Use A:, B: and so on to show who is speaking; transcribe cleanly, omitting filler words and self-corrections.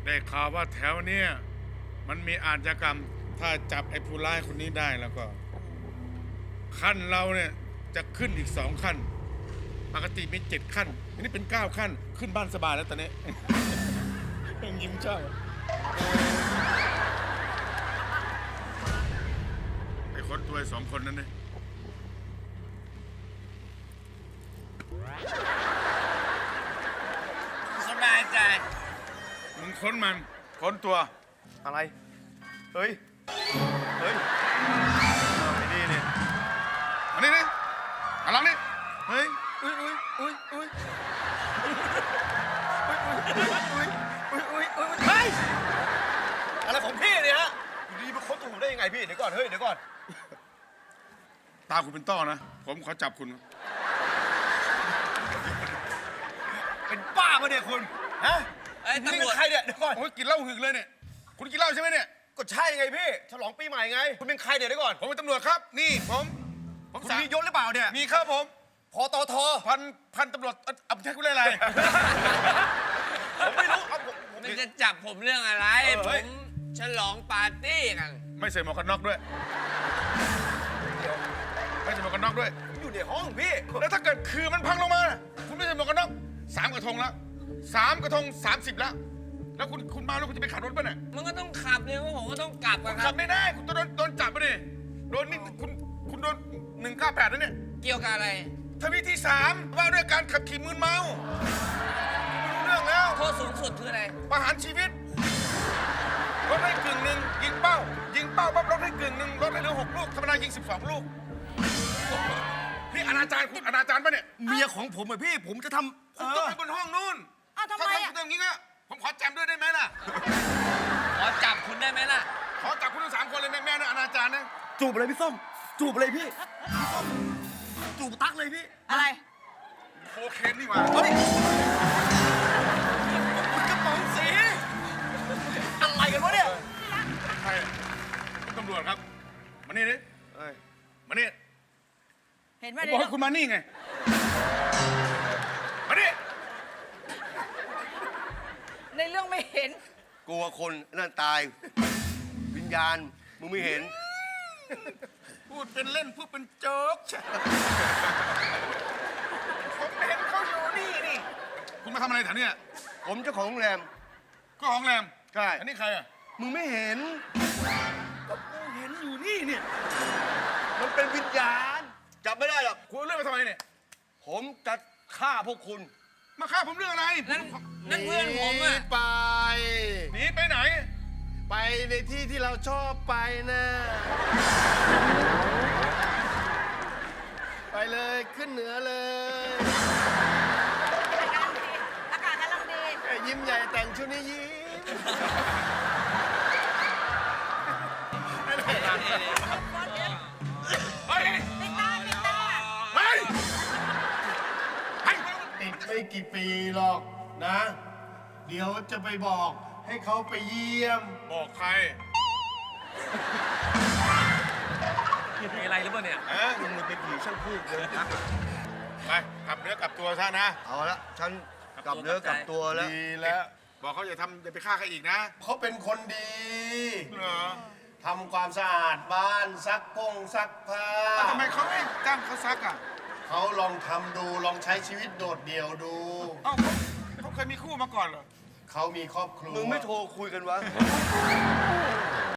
A: ได้ข่าวว่าแถวเนี้ยมันมีอาชญากรรม ถ้าจับไอ้ผู้ร้ายคนนี้ได้แล้วก็ ขั้นเราเนี่ยจะขึ้นอีก2 ขั้น ปกติมี7 ขั้นอันนี้เป็น9 ขั้น ขึ้นบ้านสบายแล้วตอนนี้ ยังยิ้มเจ้าไอ้คนตัว2 คนนั้นเนี่ย
B: สบายใจ
A: มึงค้นมัน ค้นตัว
C: อะไร เฮ้ย เฮ้ยไอ้นี่เนี่ย
A: อันนี้นี่อันหลังนี่
C: เฮ้ย อุ้ยอุ้ยอุ้ยอุ้ยเฮ้ย อะไรของพี่เนี่ยฮะ อยู่ดีมาค้นตัวผมได้ยังไงพี่ เดี๋ยวก่อน เฮ้ย เดี๋ยวก่อน
A: ตาคุณเป็นต้อนะ ผมขอจับคุณ
C: เป็นบ้าปะเนี่ยคุณ ฮะ
B: ไอ้ย
C: นี่
B: ตำรวจ
C: ใครเนี่ย เดี๋ยวก่อน
A: โอ้ยกินเหล้าหึกเลยเนี่ย คุณกินเหล้าใช่ไหมเนี่ย
C: ก็ใช่ไงพี่ ฉลองปีใหม่ไง คุณเป็นใครเนี่ยเดี๋ยวก่อน
A: ผมเป็นตำรวจครับ นี่ผม
C: คุณมียศหรือเปล่าเนี่ย
A: มีครับผม
C: พอตท
A: พันตำรวจเอาใช้คุณเรื่องอะไร
C: ผมไม่รู้เอาผม
B: มันจะจับผมเรื่องอะไร
C: เฮ้
B: ผ
C: ย
B: มฉลองปาร์ตี้กัน
A: ไม่ใส่หมวกกันน็อกด้วย ไม่ใส่หมวกกันน็อกด้วย
C: อยู่ในห้องพี่
A: แล้วถ้าเกิดคือมันพังลงมา คุณไม่ใส่หมวกกันน็อก3 กระทงแล้ว3 กระทง 30 แล้ว แล้วคุณมาแล้วคุณจะไปขับรถป่ะเนี่ย
B: มันก็ต้องขับเลยว่าผมก็ต้องกลับอะค
A: ขั
B: รั
A: บบ ไม่ได้ คุณต้องโดนจับไปดิ โดนนี่คุณโดน198แล้วเนี่ย
B: เกี่ยวกับอะไร
A: ทวีที่ 3 ว่าด้วยการขับขี่มึนเมาไม่รู้เรื่องแล้ว
B: โทษสูงสุดคืออะไร
A: ประหารชีวิตลดให้กึ่งหนึ่งยิงเป้าปั๊บลดให้กึ่งหนึ่งลดให้เหลือ6 ลูกธรรมดายิง12 ลูกนี่อนาจารคุณอนาจารปะเนี่ย
C: เมียของผมอะพี่ ผมจะทำ
A: คุณต้องไปบนห้องนู่น
D: อ้าวทำไม
A: ถ้า
D: อ่ะ
A: ทำอย่างนี้ก็ผมขอแจมด้วยได้ไหมล่ะ
B: ขอจับคุณได้ไหมล่ะ
A: ขอจับคุณทั้ง3 คนเลยแม่นะอนาจารนะ
C: จูบเลยพี่ส้ม จูบเลยพี่พี่ส้มจูบตักเลยพี่
D: อะไร
A: โคเคนนี่หว่า
C: เฮ้ยคุณกระป๋องสี อะไรกันวะเนี่ย
A: ใครคุณตำรวจครับมานี่ดิ
C: เอ้ย
A: มานี่
D: เห็นไห
A: ผม ม
D: ใน
A: บอก
D: เรื่
A: ให้
D: อง
A: คุณมานี่ไงมานี่
D: ในเรื่องไม่เห็น
E: กลัวคนนั่นตาย วิญญาณ มึงไม่เห็น
A: พูดเป็นเล่นพูดเป็นโจ๊กใช่ผมเห็นเขาอยู่นี่คุณมาทำอะไรแถวเนี้ย
E: ผมเจ้าของโรงแรม
A: ก็ของแรม
E: ใช่
A: อันนี้ใครอ่ะ
E: มึงไม่เห็น
C: กูเห็นอยู่นี่เนี่ย
E: มันเป็นวิญญาณ จับไม่ได้หรอก
A: คุณเอาเรื่องมาทำไมเนี่ย
E: ผมจะฆ่าพวกคุณ
A: มาฆ่าผมเรื่องอะไร
B: นั่นเพื่อนผมอะ
E: หนีไป
A: หนีไปไหน
E: ไปในที่ที่เราชอบไปนะ ไปเลยขึ้นเหนือเลย
D: อากาศกำลังดี
E: ไอ้ยิ้มใหญ่แต่งชุดนี้ยิ้ม
A: เฮ้ย
D: ติดตาติดตา
A: เฮ้ยเฮ้ย
E: ติดไม่กี่ปีหรอกนะ เดี๋ยวจะไปบอกให้เขาไปเยี่ยม
A: บอกใคร
C: มีอะไรหรือเปล่าเนี่ย
A: ฮะ
E: มึงเป็นผีช่างพูดเลย
A: ไปกลับเนื้อกลับตัวซะนะ
E: เอาละฉันกลับเนื้อกลับตัวแล้ว
A: ดีแล้ว บอกเขาอย่าไปฆ่าใครอีกนะ
E: เขาเป็นคนดี
A: เหรอ
E: ทำความสะอาดบ้านซักซักผ้า
A: ทำไมเขาไม่จ้างเขาซักอ่ะ
E: เขาลองทำดูลองใช้ชีวิตโดดเดี่ยวดู
A: เอ้าเขาเคยมีคู่มาก่อนเหรอ
E: เขามีครอบครัว
C: มึงไม่โทรคุยกันวะ